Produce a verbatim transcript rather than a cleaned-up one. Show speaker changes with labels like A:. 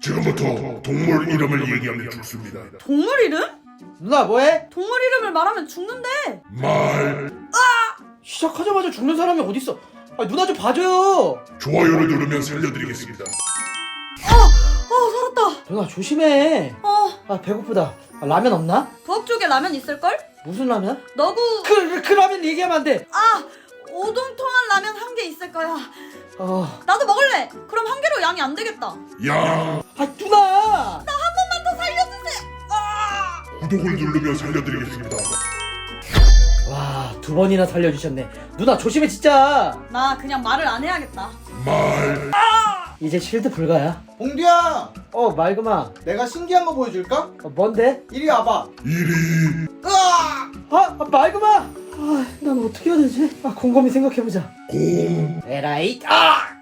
A: 지금부터 동물 이름을 얘기하면 죽습니다.
B: 동물 이름?
C: 누나 뭐해?
B: 동물 이름을 말하면 죽는데.
A: 말.
C: 시작하자마자 죽는 사람이 어딨어? 아, 누나 좀 봐줘요.
A: 좋아요를 누르면 살려드리겠습니다.
B: 어 살았다.
C: 누나 조심해.
B: 어
C: 아 배고프다. 아, 라면 없나?
B: 부엌 쪽에 라면 있을걸?
C: 무슨 라면?
B: 너구.
C: 그, 그 라면 얘기하면 안 돼.
B: 아 오동통한 라면 한 개 있을 거야.
C: 어.
B: 나도 먹을래. 그럼 한 개로 양이 안 되겠다.
A: 야,
C: 아 누나.
B: 나 한 번만 더 살려주세요. 아!
A: 구독을 누르면 살려드리겠습니다.
C: 와, 두 번이나 살려주셨네. 누나 조심해 진짜.
B: 나 그냥 말을 안 해야겠다.
A: 말.
C: 이제 실드 불가야.
D: 봉두야,
C: 어 말그마.
D: 내가 신기한 거 보여줄까?
C: 어, 뭔데?
D: 이리 와봐.
A: 이리.
D: 으아!
C: 아, 아 말그마. 아, 난 어떻게 해야 되지? 아 곰곰이 생각해보자.
A: 공.
C: 에라이. 아!